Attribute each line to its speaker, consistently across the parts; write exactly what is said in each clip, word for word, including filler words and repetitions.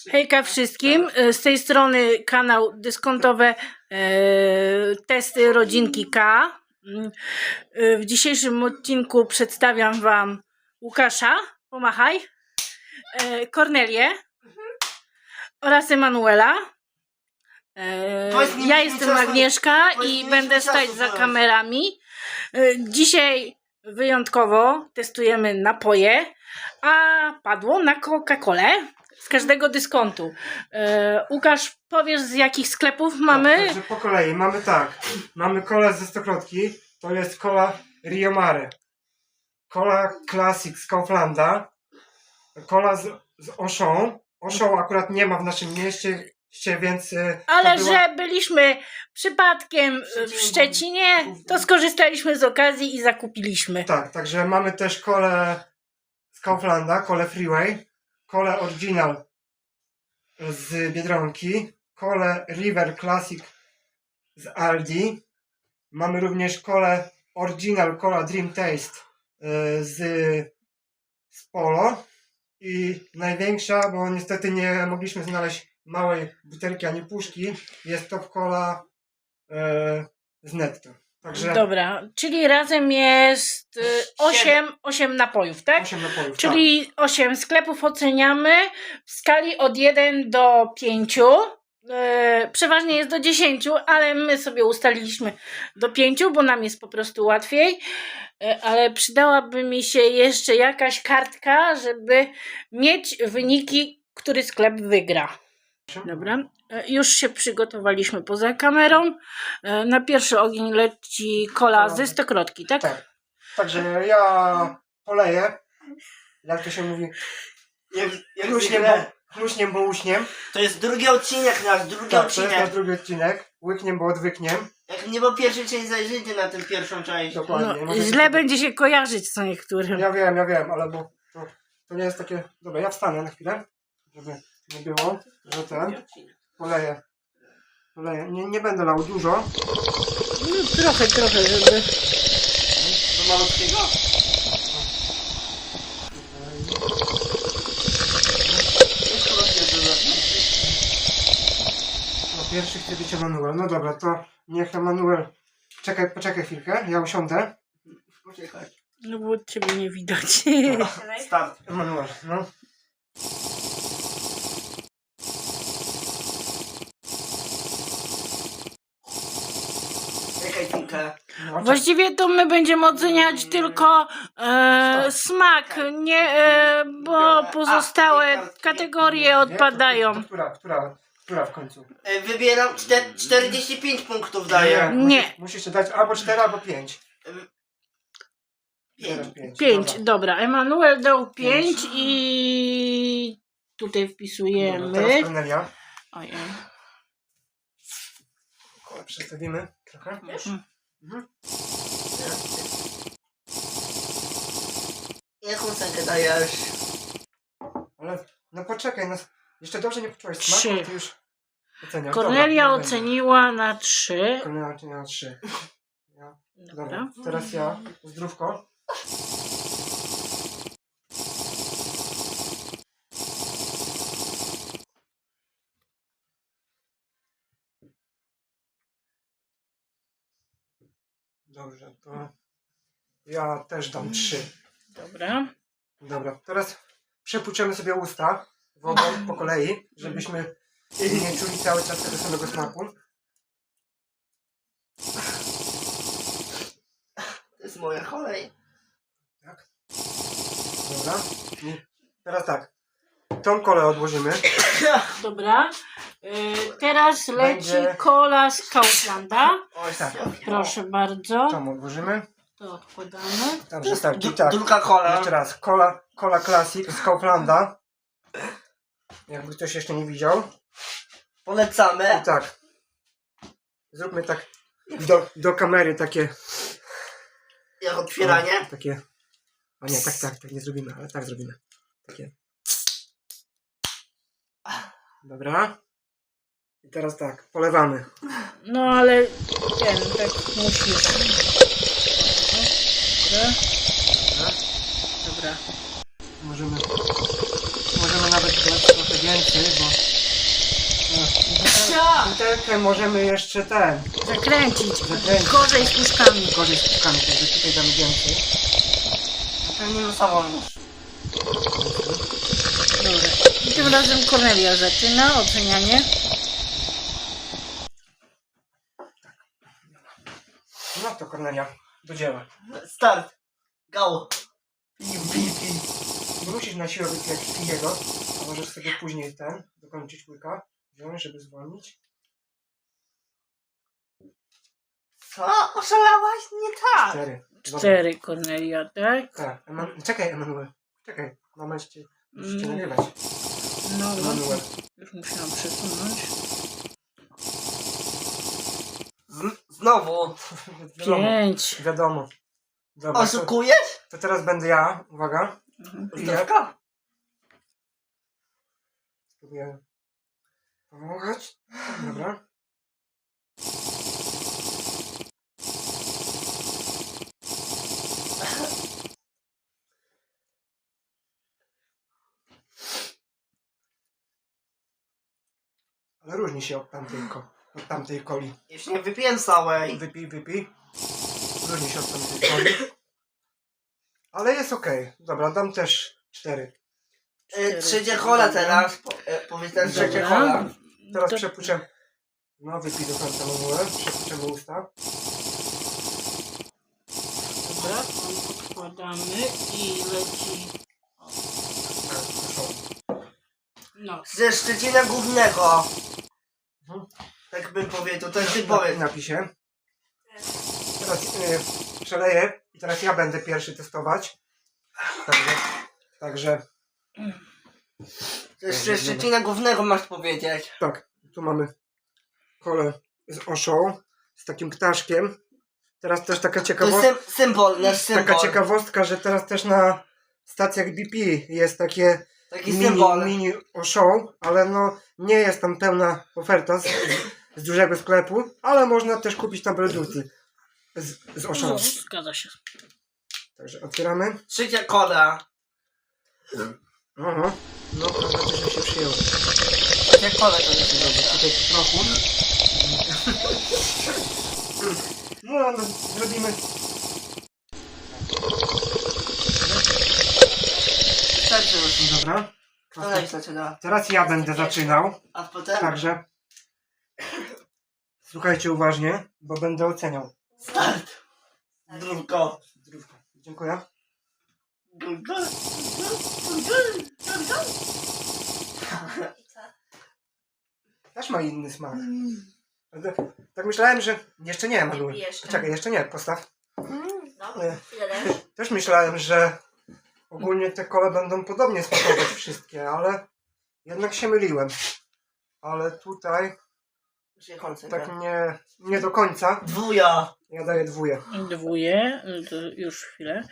Speaker 1: Hejka wszystkim, z tej strony kanał Dyskontowe e, Testy Rodzinki K. E, w dzisiejszym odcinku przedstawiam Wam Łukasza, pomachaj, e, Kornelię oraz Emanuela. E, ja jestem Agnieszka i będę stać za kamerami. E, dzisiaj wyjątkowo testujemy napoje, a padło na Coca-Colę z każdego dyskontu. E, Łukasz, powiesz, z jakich sklepów mamy?
Speaker 2: Tak, także po kolei. Mamy tak. Mamy kolę ze stokrotki. To jest kola Rio Mare. Kola Classic z Kauflanda. Kola z, z Auchan. Auchan akurat nie ma w naszym mieście, więc... y, to
Speaker 1: Ale
Speaker 2: była-
Speaker 1: że byliśmy przypadkiem w Szczecinie, to skorzystaliśmy z okazji i zakupiliśmy.
Speaker 2: Tak, także mamy też kolę z Kauflanda, kolę Freeway, kolę Original z Biedronki, kolę River Classic z Aldi. Mamy również kolę Original, kola Dream Taste y, z, z Polo. I największa, bo niestety nie mogliśmy znaleźć małej butelki ani puszki, jest to kola y, z Netto. Także
Speaker 1: Dobra, czyli razem jest osiem napojów, tak?
Speaker 2: osiem napojów.
Speaker 1: Czyli osiem sklepów oceniamy w skali od jeden do pięciu. E, przeważnie jest do dziesięciu, ale my sobie ustaliliśmy do pięciu, bo nam jest po prostu łatwiej. E, ale przydałaby mi się jeszcze jakaś kartka, żeby mieć wyniki, który sklep wygra.
Speaker 2: Tak.
Speaker 1: Dobra, e, już się przygotowaliśmy poza kamerą. E, na pierwszy ogień leci kola ze stokrotki, tak?
Speaker 2: Tak. Także ja poleję, jak to się mówi,
Speaker 3: Jak, jak
Speaker 2: chluśniem,
Speaker 3: zwykle,
Speaker 2: bo, chluśniem, bo uśniem.
Speaker 3: to jest drugi odcinek nasz, drugi
Speaker 2: Tak, to jest
Speaker 3: odcinek.
Speaker 2: nasz drugi odcinek. Łykniem, bo odwykniem.
Speaker 3: Jak nie było pierwszej części, zajrzyjcie na tę pierwszą część.
Speaker 2: Dokładnie.
Speaker 1: No,
Speaker 2: Możecie
Speaker 1: źle
Speaker 2: sobie-
Speaker 1: będzie się kojarzyć co niektórym.
Speaker 2: Ja wiem, ja wiem, ale bo to, to nie jest takie... Dobra, ja wstanę na chwilę, żeby nie było, że ten... Poleję. Poleję. Nie, nie będę lał dużo.
Speaker 1: No, trochę, trochę, żeby...
Speaker 3: Do malutkiego?
Speaker 2: No, pierwszy chce być Emanuel. No dobra, to niech Emanuel... Czekaj, poczekaj chwilkę, ja usiądę.
Speaker 3: Poczekaj.
Speaker 1: No bo ciebie nie widać.
Speaker 3: Start.
Speaker 2: Emanuel, no.
Speaker 3: Czekaj chwilkę.
Speaker 2: no
Speaker 1: Właściwie to my będziemy oceniać tylko e, smak, nie, e, bo pozostałe kategorie odpadają.
Speaker 2: To która, która, która w końcu?
Speaker 3: E, Wybieram czter- czterdzieści pięć punktów daję.
Speaker 1: Nie.
Speaker 2: Musisz, musisz dać albo cztery, albo pięć.
Speaker 3: Pięć.
Speaker 2: pięć.
Speaker 1: Pięć,
Speaker 2: Dobra.
Speaker 1: dobra. Emanuel dał pięć
Speaker 2: Pięć.
Speaker 1: i tutaj
Speaker 2: Dobra,
Speaker 1: wpisujemy.
Speaker 2: teraz Kornelia.
Speaker 1: Ojej.
Speaker 2: Przedstawimy trochę.
Speaker 3: Wiesz?
Speaker 2: Mhm.
Speaker 3: Jaką cenę dajesz?
Speaker 2: Ale no poczekaj, no, jeszcze dobrze nie poczułeś
Speaker 1: Trzy.
Speaker 2: smaku, ty już oceniasz.
Speaker 1: Kornelia
Speaker 2: Dobra, nie
Speaker 1: oceniła na trzy.
Speaker 2: będzie. Kornelia oceniła trzy. Ja.
Speaker 1: Dobra.
Speaker 2: Dobra, teraz ja. Zdrówko. Dobrze, to ja też dam trzy.
Speaker 1: Dobra.
Speaker 2: Dobra, teraz przepłuczemy sobie usta wodą po kolei, żebyśmy nie czuli cały czas tego samego smaku.
Speaker 3: To jest moja kolej.
Speaker 2: Tak. Dobra. I teraz tak. Tą kolę odłożymy.
Speaker 1: Dobra. Y, teraz leci
Speaker 2: Będzie-
Speaker 1: kola z Kauflanda.
Speaker 2: Oj tak.
Speaker 1: Proszę bardzo.
Speaker 2: Tą odłożymy.
Speaker 1: To odkładamy.
Speaker 2: Także tak, i
Speaker 3: Du-
Speaker 2: tak.
Speaker 3: Druga kola.
Speaker 2: Jeszcze raz. Kola, kola Classic z Kauflanda. Jakby ktoś jeszcze nie widział.
Speaker 3: Polecamy.
Speaker 2: I tak. Zróbmy tak do, do kamery takie.
Speaker 3: Jak otwieranie.
Speaker 2: O, takie. A nie, tak, tak, tak nie zrobimy, ale tak zrobimy. Takie. Dobra. I teraz tak, polewamy.
Speaker 1: No ale ten, tak musisz. Dobra.
Speaker 2: Dobra.
Speaker 1: Dobra.
Speaker 2: Możemy. Możemy możemy nawet dać trochę więcej, bo
Speaker 1: Co?
Speaker 2: butelkę możemy jeszcze ten,
Speaker 1: Zakręcić.
Speaker 2: Zakręcić.
Speaker 1: Gorzej z puszkami.
Speaker 2: gorzej z puszkami, także tutaj damy więcej.
Speaker 3: Pewnie losowo już.
Speaker 1: Dobra. I tym razem Kornelia zaczyna ocenianie.
Speaker 2: No to Kornelia, do dzieła.
Speaker 3: Start. Go.
Speaker 2: Nie musisz na siłę wypijać wszystkiego, a możesz sobie później ten, dokończyć łyka, wziąć, żeby zwolnić.
Speaker 3: Co? Oszalałaś? Nie tak.
Speaker 2: Cztery. Dobra.
Speaker 1: Cztery Kornelia, tak?
Speaker 2: Tak. Eman... Czekaj, Emanuel. Czekaj, mama cię, musisz cię
Speaker 1: Mm.
Speaker 2: nagrywać.
Speaker 1: No, no.
Speaker 2: Emanuel.
Speaker 1: Już musiałam przesunąć.
Speaker 3: Z znowu.
Speaker 2: Wiadomo.
Speaker 1: Pięć.
Speaker 2: Wiadomo. Dobra, to,
Speaker 3: Oszukujesz?
Speaker 2: to teraz będę ja. Uwaga.
Speaker 1: Mhm.
Speaker 2: Piję.
Speaker 3: Zdrówka?
Speaker 2: Spróbuję pomagać. Dobra. Ale różni się od tamtej, ko od tamtej coli.
Speaker 3: Jeszcze nie wypiłem całej.
Speaker 2: Wypij, wypij. Różni się od tamtej coli. Ale jest okej. Dobra, dam też cztery.
Speaker 3: Y, Trzecia kola teraz. Po, y, powiedz teraz trzecia
Speaker 1: Dobra.
Speaker 3: kola.
Speaker 2: Teraz
Speaker 1: To-
Speaker 2: przepuczę. No, wypij do końca manułem. Przepuczemy usta.
Speaker 1: Dobra, to podkładamy i leci.
Speaker 2: Tak, proszę.
Speaker 1: No.
Speaker 3: Ze Szczecina Głównego.
Speaker 2: Mhm.
Speaker 3: Tak bym powiedział, to ty
Speaker 2: Na,
Speaker 3: powiedz.
Speaker 2: napisie. Teraz y, przeleję i teraz ja będę pierwszy testować. Także, także
Speaker 3: Ze Szczecina Głównego masz powiedzieć.
Speaker 2: tak, tu mamy kolę z oszą, z takim ptaszkiem. Teraz też taka
Speaker 3: To jest
Speaker 2: ciekawostka,
Speaker 3: sym symbol, nasz symbol.
Speaker 2: taka ciekawostka, że teraz też na stacjach B P jest takie
Speaker 3: Taki
Speaker 2: mini,
Speaker 3: symbol.
Speaker 2: mini oszą, ale no nie jest tam pełna oferta z, z dużego sklepu, ale można też kupić na Bluetooth z, z oszą.
Speaker 1: No, zgadza się.
Speaker 2: Także otwieramy.
Speaker 3: Trzecia kola.
Speaker 2: Aha. No, prawda też że się przyjęło.
Speaker 3: Trzecia kola to jest.
Speaker 2: Dobra, tutaj po trochu. No, no, zrobimy.
Speaker 3: Wystarczy już.
Speaker 2: Dobra.
Speaker 3: Kto naj zaczyna?
Speaker 2: Teraz ja będę zaczynał.
Speaker 3: A potem?
Speaker 2: Także słuchajcie uważnie, bo będę oceniał.
Speaker 3: Start. Zdrówko.
Speaker 2: Zdrówko. Dziękuję.
Speaker 3: Zdrówko.
Speaker 2: Też ma inny smak. Tak myślałem, że... Jeszcze nie, Malu.
Speaker 4: Jeszcze.
Speaker 2: Czekaj, jeszcze nie, postaw.
Speaker 4: No,
Speaker 2: Nie.
Speaker 4: ile dasz?
Speaker 2: Też myślałem, że ogólnie te kole będą podobnie smakować wszystkie, ale jednak się myliłem. Ale tutaj tak nie, nie do końca.
Speaker 3: Dwuja.
Speaker 2: Ja daję dwóje.
Speaker 1: Dwóje, to już chwilę.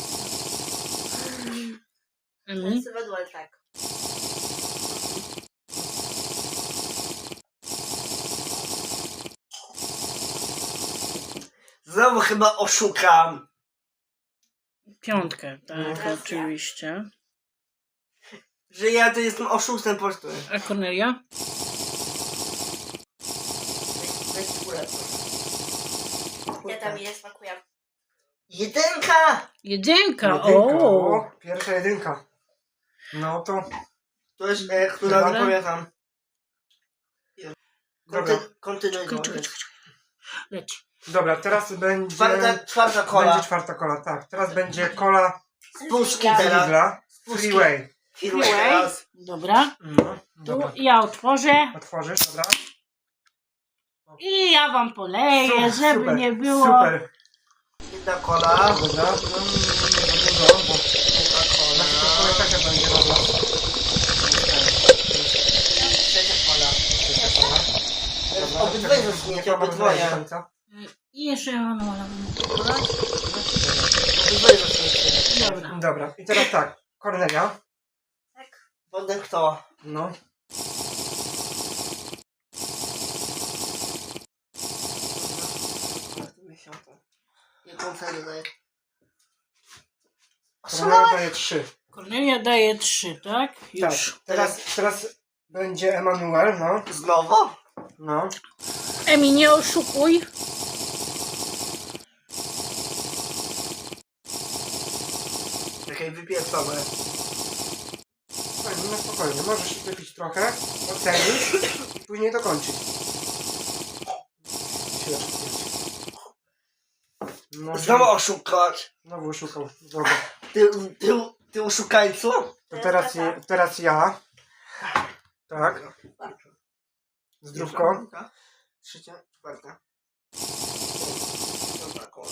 Speaker 4: To
Speaker 1: Mhm.
Speaker 4: jest według tak.
Speaker 3: Znowu chyba oszukam.
Speaker 1: Piątkę, tak,
Speaker 2: Mhm.
Speaker 1: oczywiście.
Speaker 3: Że ja to jestem oszustem po prostu.
Speaker 1: A Kornelia?
Speaker 3: Weź czwórę.
Speaker 4: Ja tam jest, smakuje.
Speaker 3: Jedynka!
Speaker 1: Jedynka,
Speaker 2: Jedynka.
Speaker 1: o!
Speaker 2: O, pierwsza jedynka. No to
Speaker 3: To jest, e, która
Speaker 1: Dobra.
Speaker 3: wypowiadam.
Speaker 2: dobra.
Speaker 3: Konty, kontynuuj.
Speaker 1: Czekaj, czekaj, czekaj. Leci.
Speaker 2: Dobra, teraz będzie...
Speaker 3: Czwarta, czwarta kola.
Speaker 2: Będzie czwarta kola, tak. Teraz będzie kola
Speaker 3: Z puszki
Speaker 4: Ja.
Speaker 2: z
Speaker 3: teraz.
Speaker 2: Lidla.
Speaker 3: puszki.
Speaker 2: Freeway.
Speaker 3: Freeway
Speaker 1: Freeway.
Speaker 3: teraz.
Speaker 1: Dobra,
Speaker 2: No,
Speaker 1: tu
Speaker 2: dobra.
Speaker 1: ja otworzę
Speaker 2: Otworzysz, dobra?
Speaker 1: i ja wam poleję,
Speaker 2: Su-
Speaker 1: żeby
Speaker 2: super,
Speaker 1: nie było.
Speaker 2: Super.
Speaker 3: Jedna kola.
Speaker 2: Dobra, no nie za dużo, bo
Speaker 3: Druga
Speaker 2: na to
Speaker 3: kola.
Speaker 2: kolej taka będzie dobra.
Speaker 3: Trzecia kola.
Speaker 2: Trzecia kola. Dobra,
Speaker 3: Obydwoje
Speaker 2: czekaj,
Speaker 3: zaczniecie,
Speaker 2: niech mama
Speaker 3: obydwoje.
Speaker 2: dodaje do końca.
Speaker 1: I jeszcze Emanuela bym podać.
Speaker 3: Obydwoje zaczniecie.
Speaker 1: Dobra.
Speaker 2: Dobra, i teraz tak. Kornelia.
Speaker 4: Tak.
Speaker 3: Potem kto?
Speaker 2: No.
Speaker 3: Jaką cenę daje?
Speaker 2: Kornelia daje trzy.
Speaker 1: Kornelia daje trzy, tak? Już.
Speaker 2: Tak, teraz, teraz będzie Emanuel, no.
Speaker 3: Znowu?
Speaker 2: No.
Speaker 1: Emi, nie oszukuj.
Speaker 3: Czekaj, wypieprzone.
Speaker 2: Fajnie, no spokojnie, możesz wypić trochę, ocenić i później dokończyć. Chwileczkę, chwileczkę. No,
Speaker 3: Znowu oszukać.
Speaker 2: Znowu oszukał. Dobra.
Speaker 3: Ty, ty, ty oszukańcu?
Speaker 2: To teraz, je, teraz ja. Tak. Zdrówko.
Speaker 3: Druga, trzecia, czwarta. Piąta kola.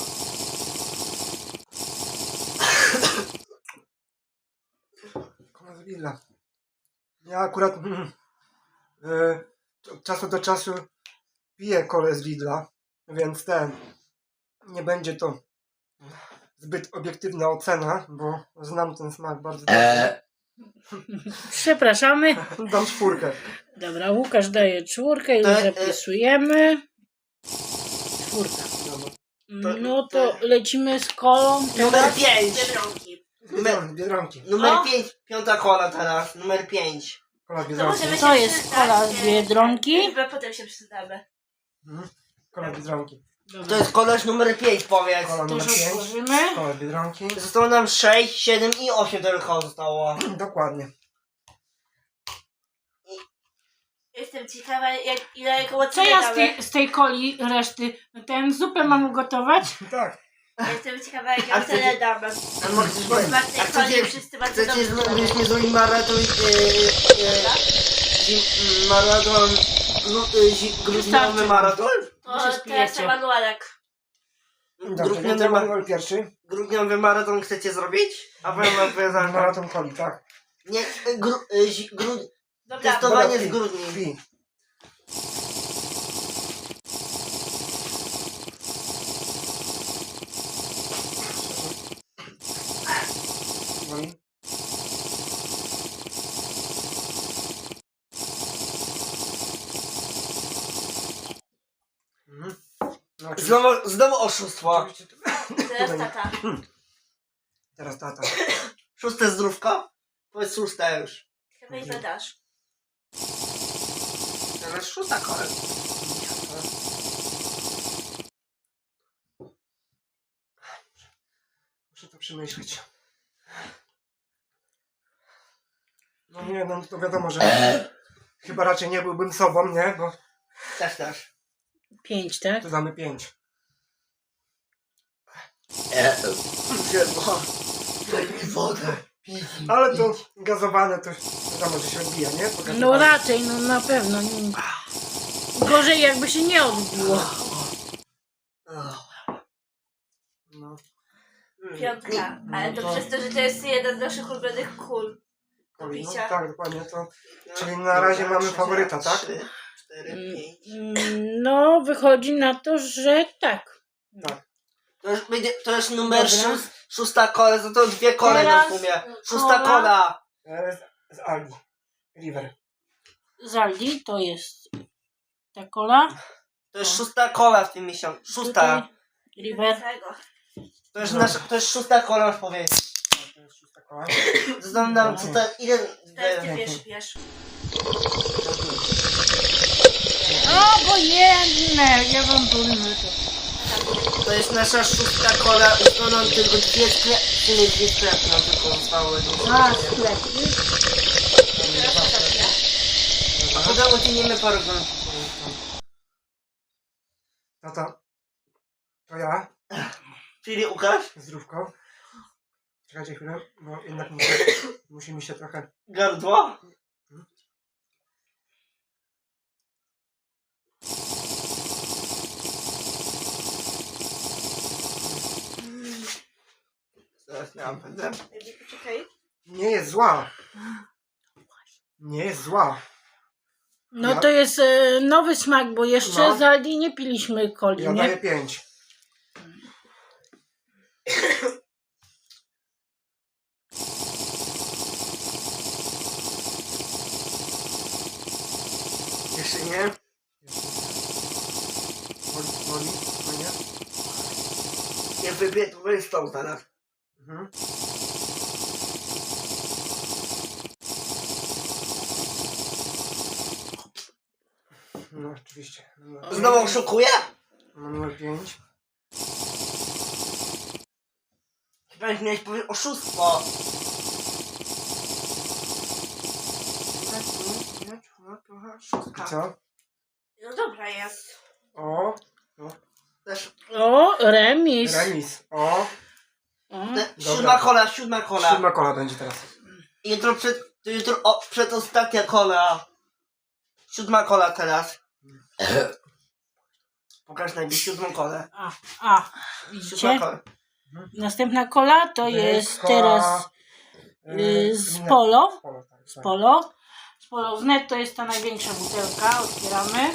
Speaker 2: Kola z Lidla. Ja akurat mm, y, od czasu do czasu piję kolę z Lidla, więc ten nie będzie to zbyt obiektywna ocena, bo znam ten smak bardzo dobrze.
Speaker 1: Przepraszamy.
Speaker 2: Dam czwórkę.
Speaker 1: Dobra, Łukasz daje czwórkę, już
Speaker 3: To, e,
Speaker 1: zapisujemy. Czwórka.
Speaker 2: Dobra.
Speaker 1: No to lecimy z kolą.
Speaker 3: Numer pięć.
Speaker 4: Biedronki.
Speaker 2: Biedronki. Biedronki.
Speaker 3: Numer
Speaker 1: O.
Speaker 3: pięć. Piąta kola teraz. Numer pięć.
Speaker 2: Kola z
Speaker 4: To
Speaker 2: Biedronki.
Speaker 4: możemy
Speaker 1: To
Speaker 4: się
Speaker 1: jest
Speaker 4: przydać,
Speaker 1: kola z
Speaker 4: nie?
Speaker 1: Biedronki.
Speaker 4: Chyba potem się przydamy.
Speaker 2: Mhm. Kola z Biedronki.
Speaker 3: To
Speaker 1: Dobra,
Speaker 3: jest koleż numer pięć, powiedz.
Speaker 2: Kola
Speaker 1: to
Speaker 2: numer
Speaker 1: już
Speaker 2: pięć.
Speaker 1: otworzymy.
Speaker 2: Kola z Biedronki.
Speaker 3: Zostało nam sześć, siedem i osiem tylko zostało.
Speaker 2: Dokładnie.
Speaker 4: Jestem ciekawa, jak, ile koło
Speaker 1: Co ja z tej, z tej coli reszty? Ten zupę mam ugotować?
Speaker 2: Tak.
Speaker 4: Jestem ciekawa, jak
Speaker 3: A
Speaker 4: ja
Speaker 3: chcecie-
Speaker 4: tyle dam.
Speaker 3: A może coś powiem?
Speaker 4: Chyba w tej
Speaker 3: A
Speaker 4: coli
Speaker 3: chcecie,
Speaker 4: wszyscy bardzo
Speaker 3: chcecie
Speaker 4: dobrze
Speaker 3: zrobić
Speaker 4: robią.
Speaker 3: niezły maraton, yy, yy, zim- maraton, gru- yy, zi- grudniowy
Speaker 1: Wystarczy.
Speaker 3: maraton?
Speaker 4: To
Speaker 1: się
Speaker 4: teraz
Speaker 1: spijecie.
Speaker 4: Emanuelek.
Speaker 2: Dobrze, więc
Speaker 3: Grudniowy, ma-
Speaker 2: Emanuel pierwszy.
Speaker 3: grudniowy maraton chcecie zrobić? A powiem wam, powiem wam,
Speaker 2: Maraton coli, tak.
Speaker 3: nie, yy, gru, yy, zi- gru,
Speaker 4: Dobra,
Speaker 3: Testowanie
Speaker 2: Dobra,
Speaker 3: z grudni.
Speaker 2: Pi. Boli? Mhm. No, oczywiście-
Speaker 3: Znowu, znowu oszustwo.
Speaker 2: oczywiście to-
Speaker 4: teraz tata.
Speaker 2: Teraz tata.
Speaker 3: Szóste zdrówko? Powiedz szóste już.
Speaker 4: Chyba i zadasz.
Speaker 3: Teraz szósta kolej.
Speaker 2: Muszę to przemyśleć. No nie, no to wiadomo, że chyba raczej nie byłbym sobą, nie? Bo
Speaker 3: Też, też.
Speaker 1: Pięć, tak?
Speaker 2: tu damy pięć.
Speaker 3: Drzewo. Daj mi wodę.
Speaker 2: Ale to gazowane to wiadomo, że się odbija, nie? To
Speaker 1: No
Speaker 2: gazowane.
Speaker 1: raczej, no na pewno. Nie. Gorzej jakby się nie odbiło.
Speaker 2: No.
Speaker 4: Piątka. Ale to
Speaker 2: No to-
Speaker 4: przez to, że to jest jeden z naszych ulubionych kul. Do
Speaker 2: Koli, no
Speaker 4: picia.
Speaker 2: tak, dokładnie to. Czyli na razie mamy faworyta, tak?
Speaker 3: Trzy, cztery, pięć.
Speaker 1: Mm, No, wychodzi na to, że tak.
Speaker 3: To już, będzie, to już numer
Speaker 1: Dobra.
Speaker 3: szóst, szósta kola, to to dwie kole
Speaker 1: Teraz
Speaker 3: na sumie.
Speaker 1: kola.
Speaker 3: Szósta kola.
Speaker 2: E, Z, z Aldi. River.
Speaker 1: Zaldi to jest ta kola.
Speaker 3: To jest szósta kola w tym miesiącu. Szósta.
Speaker 1: Tutaj River.
Speaker 4: Tego.
Speaker 3: To jest, nasza, to jest szósta kola, już powiedzieć.
Speaker 2: To jest szósta koła.
Speaker 3: Znam nam, co to, ile...
Speaker 4: Teraz ty wiesz, wiesz.
Speaker 1: Obojętne, ja wam powiem to.
Speaker 3: To jest nasza szósta kola, zostało nam tylko dwie sklepy, nie dwie sklepy nam tylko zostały.
Speaker 1: A, sklep.
Speaker 4: Teraz tata pije.
Speaker 3: A potem ucieniemy parę godzin.
Speaker 2: Tata. To ja.
Speaker 3: Czyli Łukasz,
Speaker 2: Zdrówko. Czekajcie chwilę, bo jednak muszę, musi mi się trochę...
Speaker 3: gardło. Zaraz miałam będę.
Speaker 4: Poczekaj.
Speaker 2: Nie jest zła. Nie jest zła.
Speaker 1: No to jest e, nowy smak, bo jeszcze
Speaker 2: No.
Speaker 1: z Aldi nie piliśmy coli,
Speaker 2: Ja
Speaker 1: nie?
Speaker 2: daję pięć.
Speaker 3: Jeszcze nie.
Speaker 2: Woli, woli, no nie?
Speaker 3: Nie wybiję, to będzie stał zaraz.
Speaker 2: Mhm. No oczywiście.
Speaker 3: Znowu oszukuję?
Speaker 2: Mam numer pięć.
Speaker 3: Chyba już miałeś powiedzieć oszustwo.
Speaker 2: I co?
Speaker 4: No dobra jest.
Speaker 2: O,
Speaker 3: Też
Speaker 1: O, remis.
Speaker 2: remis. O,
Speaker 1: O.
Speaker 3: te,
Speaker 2: Dobra.
Speaker 3: siódma kola, siódma kola.
Speaker 2: siódma kola będzie teraz.
Speaker 3: Jutro przed, jutro o, przedostatnia kola. Siódma kola teraz. Pokaż najpierw siódmą kolę.
Speaker 1: A, a,
Speaker 3: Siódma
Speaker 1: widzicie?
Speaker 3: kola.
Speaker 1: Następna kola to jest teraz y, z Polo.
Speaker 2: Polo, tak,
Speaker 1: Z
Speaker 2: tak.
Speaker 1: Polo. Z Polo z Net to jest ta największa butelka. Otwieramy.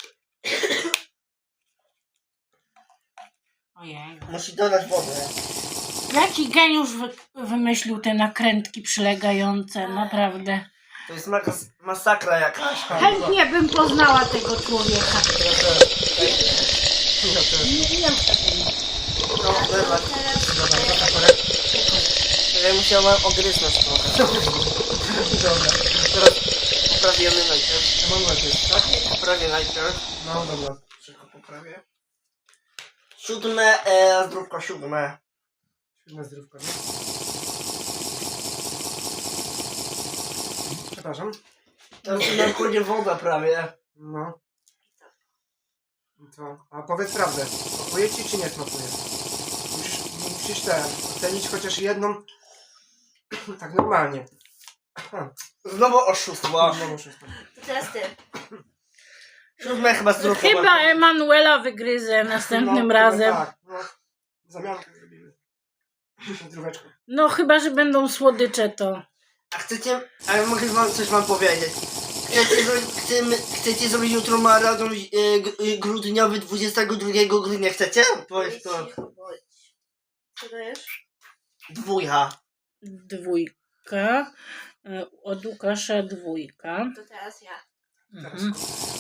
Speaker 1: Ojej.
Speaker 3: Musi dodać wodę.
Speaker 1: Jaki geniusz wy, wymyślił te nakrętki przylegające, naprawdę.
Speaker 3: To jest mas masakra jakaś.
Speaker 1: Chętnie bym poznała tego człowieka.
Speaker 2: Ja też. Ja też.
Speaker 1: Nie wiem,
Speaker 3: No, dobra.
Speaker 4: Teraz
Speaker 2: Dobra,
Speaker 4: e,
Speaker 2: to kolej.
Speaker 3: Ja musiałem ogryznąć trochę.
Speaker 2: Dobra. Teraz
Speaker 3: Poprawimy najpierw.
Speaker 2: mam najpierw, tak?
Speaker 3: Poprawię najpierw.
Speaker 2: No dobra.
Speaker 3: Szybko poprawię. Siódme, e, zdrówko siódme.
Speaker 2: Siódme zdrówko, nie? Przepraszam.
Speaker 3: Teraz na kładzie woda prawie.
Speaker 2: No. I co? A powiedz prawdę. Smakuje ci czy nie smakuje? Musisz, musisz te, ocenić chociaż jedną tak normalnie.
Speaker 3: Znowu oszustwo.
Speaker 2: No, muszę stąd.
Speaker 4: to teraz ty.
Speaker 3: Siódme chyba zdrówko.
Speaker 1: Chyba Emanuela wygryzę następnym
Speaker 2: No,
Speaker 1: razem.
Speaker 2: Tak, no. Zamiankę zrobimy. Zdróweczko.
Speaker 1: No chyba, że będą słodycze to.
Speaker 3: A chcecie, a ja mogę wam coś wam powiedzieć. Chcecie, zrobić, chcemy, chcecie zrobić jutro maraton e, g- e, grudniowy dwudziestego drugiego grudnia, chcecie? Powiedz to.
Speaker 4: Cicho bądź. Co dajesz?
Speaker 3: Dwójka.
Speaker 1: Dwójka. Y, Od Łukasza dwójka.
Speaker 4: To teraz ja.
Speaker 1: Mhm.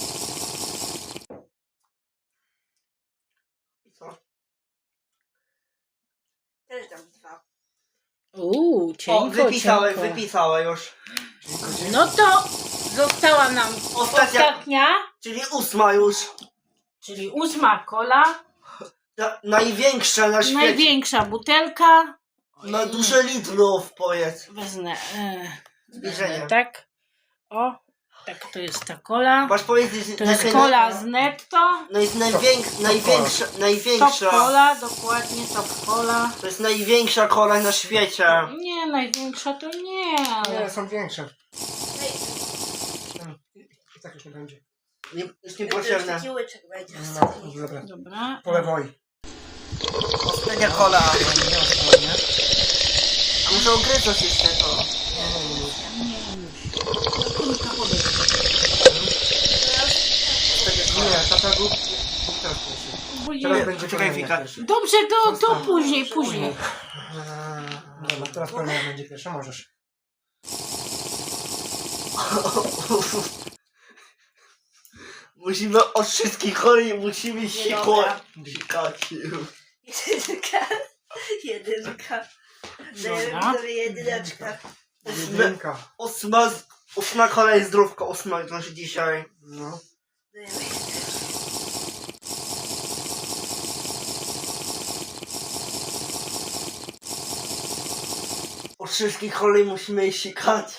Speaker 3: I co?
Speaker 4: Też dam dwa.
Speaker 1: Uuu,
Speaker 3: O,
Speaker 1: cienko,
Speaker 3: wypisałem,
Speaker 1: cienko.
Speaker 3: wypisałem już.
Speaker 2: Dziękuję, dziękuję.
Speaker 1: No to została nam
Speaker 3: Ostatnia,
Speaker 1: ostatnia,
Speaker 3: czyli ósma już.
Speaker 1: czyli ósma kola.
Speaker 3: Ta, największa na świecie.
Speaker 1: Największa butelka.
Speaker 3: Na duże litrów, powiedz.
Speaker 1: Wezmę. E,
Speaker 3: Zbliżenie.
Speaker 1: wezmę tak. O, tak to jest ta kola.
Speaker 3: Masz powiedzieć, że
Speaker 1: To jest
Speaker 3: naj-
Speaker 1: kola z netto.
Speaker 3: No jest najwięk, największa,
Speaker 1: Top
Speaker 3: największa.
Speaker 1: cola, dokładnie top cola.
Speaker 3: To jest największa kola na świecie.
Speaker 1: Nie, największa to nie,
Speaker 2: Nie,
Speaker 1: ale
Speaker 2: są większe.
Speaker 4: Ej,
Speaker 2: Mm, I, i tak już nie będzie.
Speaker 3: Nie, jest
Speaker 4: to już
Speaker 3: niepotrzebne.
Speaker 4: taki łyczek będzie w
Speaker 2: No,
Speaker 4: ostatni.
Speaker 2: dobra.
Speaker 1: dobra.
Speaker 2: Po lewoj.
Speaker 3: Ostatnia kola.
Speaker 2: Nie ostrożnie.
Speaker 3: A muszę ogryzać jeszcze to. Ostatnia kola.
Speaker 2: Nie, tata był, był teraz pierwszy.
Speaker 1: Bo nie-
Speaker 2: Teraz będzie
Speaker 3: Poczekaj,
Speaker 2: kolejny
Speaker 3: Wika.
Speaker 2: pierwszy.
Speaker 1: Dobrze, to, to
Speaker 2: Zostaw.
Speaker 1: później, później.
Speaker 2: Dobra, teraz kolejna będzie pierwsza, możesz.
Speaker 3: Musimy od wszystkich choli, musimy sikać.
Speaker 4: dobra.
Speaker 3: Sikać.
Speaker 4: Jedynka. Jedynka. Dajemy
Speaker 1: Dobra.
Speaker 4: sobie jedyneczkę.
Speaker 2: Jedynka.
Speaker 3: Ósma, z- ósma kola jest zdrówka, ósma znaczy dzisiaj.
Speaker 2: No.
Speaker 4: Dajemy jedyneczkę.
Speaker 3: Od wszystkich choli musimy sikać.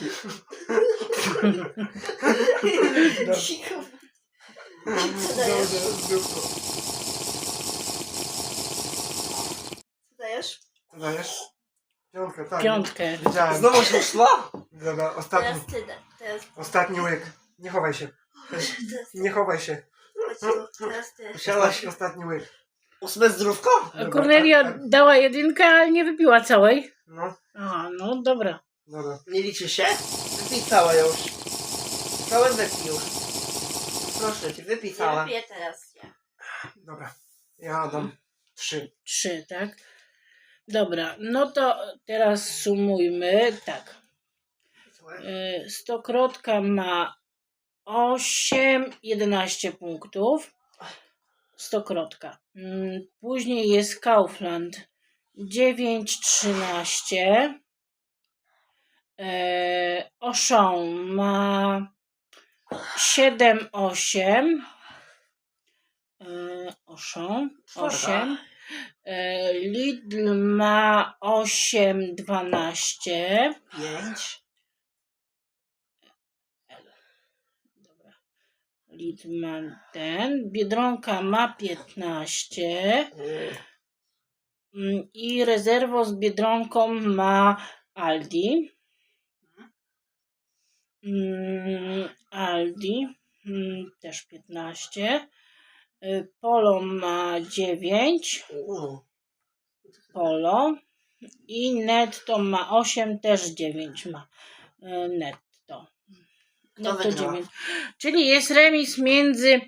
Speaker 4: Cicho. Co dajesz?
Speaker 2: Dobrze, zdrówko.
Speaker 4: Co dajesz?
Speaker 2: Co dajesz? Piątkę, tak.
Speaker 1: Piątkę.
Speaker 2: Wiedziałem.
Speaker 3: Znowu się szła?
Speaker 2: Dobra, ostatni.
Speaker 4: Teraz ty. da- Teraz,
Speaker 2: Ostatni łyk. Nie chowaj się.
Speaker 4: teraz ty.
Speaker 2: Nie chowaj się.
Speaker 4: Chodź tu. Teraz ty.
Speaker 3: Musiałaś
Speaker 2: Ostatni, ostatni łyk.
Speaker 3: ósme zdrówko?
Speaker 1: A Kornelia dała jedynkę, ale nie wypiła całej.
Speaker 2: No,
Speaker 1: Aha, no dobra.
Speaker 2: dobra.
Speaker 3: Nie liczy się? Wypij całe już. Całe wypij już. Proszę cię, wypij
Speaker 4: Ja
Speaker 3: całe.
Speaker 4: wypiję teraz ja.
Speaker 2: Dobra. Ja dam trzy.
Speaker 1: Trzy, tak? Dobra, no to teraz sumujmy. Tak. Y, Stokrotka ma osiem, jedenaście punktów. Stokrotka. Mm, Później jest Kaufland dziewięć, trzynaście. E, Auchan ma siedem osiem. Yy, osiem. osiem. Yy, Lidl ma osiem dwanaście.
Speaker 3: Pięć.
Speaker 1: Dobra. Lidl ma ten. Biedronka ma piętnaście.
Speaker 3: Y,
Speaker 1: Mm, I rezerwo z Biedronką ma Aldi. Mm, Aldi mm, też piętnaście. Y, Polo ma dziewięć.
Speaker 3: u.
Speaker 1: Polo. I Netto ma osiem, też dziewięć ma. Y, Netto.
Speaker 3: Kto
Speaker 1: Netto
Speaker 3: wygrał?
Speaker 1: dziewięć. Czyli jest remis między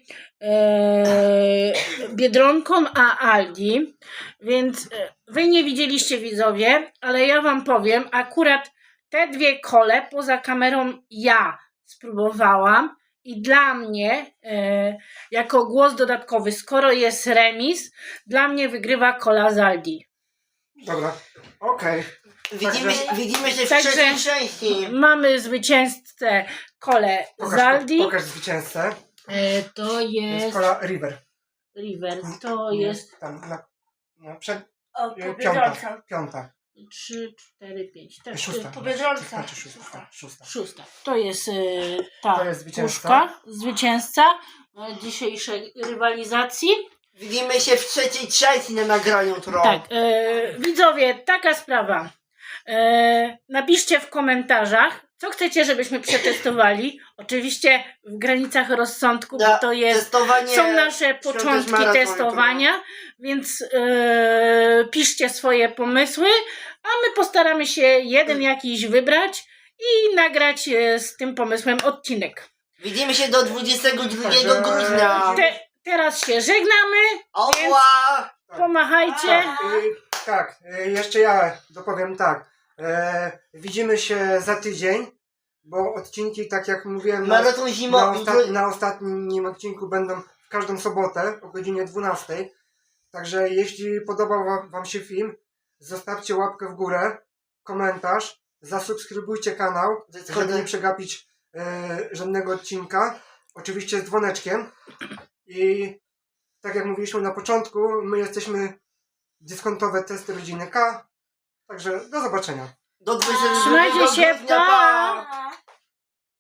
Speaker 1: e, Biedronką a Aldi, więc e, wy nie widzieliście, widzowie, ale ja wam powiem, akurat te dwie kole poza kamerą ja spróbowałam i dla mnie e, jako głos dodatkowy, skoro jest remis, dla mnie wygrywa kola z Aldi.
Speaker 2: Dobra, okej.
Speaker 3: Widzimy,
Speaker 2: Także-
Speaker 3: widzimy się w
Speaker 1: Także-
Speaker 3: trzeciej części.
Speaker 1: Mamy zwycięzcę kolę z
Speaker 2: Pokaż,
Speaker 1: Aldi.
Speaker 2: pokaż zwycięzcę.
Speaker 1: E, to
Speaker 2: To jest
Speaker 1: jest
Speaker 2: kola River.
Speaker 1: River, to
Speaker 2: Nie,
Speaker 1: jest
Speaker 2: Tam na, na przed,
Speaker 4: O,
Speaker 2: e,
Speaker 4: po
Speaker 2: piąta.
Speaker 4: Biedronce.
Speaker 2: Piąta.
Speaker 1: trzy, cztery, pięć. Tak,
Speaker 2: Szósta.
Speaker 4: po Biedronce.
Speaker 2: Znaczy szósta. Szósta.
Speaker 1: Szósta. To jest e, ta
Speaker 2: To jest zwycięzca.
Speaker 1: puszka, zwycięzca e, dzisiejszej rywalizacji.
Speaker 3: Widzimy się w trzeciej części na nagraniu tro.
Speaker 1: Tak, e, widzowie, taka sprawa. E, napiszcie w komentarzach, co chcecie, żebyśmy przetestowali. Oczywiście w granicach rozsądku, bo
Speaker 3: Da-
Speaker 1: to jest
Speaker 3: Testowanie.
Speaker 1: są nasze
Speaker 3: świąt
Speaker 1: początki
Speaker 3: maratonu,
Speaker 1: testowania, więc e, piszcie swoje pomysły, a my postaramy się jeden jakiś wybrać i nagrać e, z tym pomysłem odcinek.
Speaker 3: Widzimy się do dwudziestego drugiego
Speaker 2: Także-
Speaker 3: grudnia.
Speaker 1: Te, teraz się żegnamy,
Speaker 3: Oła!
Speaker 1: pomachajcie.
Speaker 2: Tak, y, tak, y, jeszcze ja dopowiem tak. E, widzimy się za tydzień, bo odcinki, tak jak mówiłem, na,
Speaker 3: Maraton
Speaker 2: na,
Speaker 3: zimowy.
Speaker 2: osta- na ostatnim odcinku będą w każdą sobotę o godzinie dwunastej. Także jeśli podobał wam, wam się film, zostawcie łapkę w górę, komentarz, zasubskrybujcie kanał, żeby nie przegapić e, żadnego odcinka. Oczywiście z dzwoneczkiem. I tak jak mówiliśmy na początku, my jesteśmy dyskontowe testy rodziny K. Także do zobaczenia.
Speaker 3: Do dwudziestego
Speaker 1: Trzymajcie
Speaker 3: drugiego
Speaker 1: się,
Speaker 3: grudnia,
Speaker 1: pa!
Speaker 3: pa!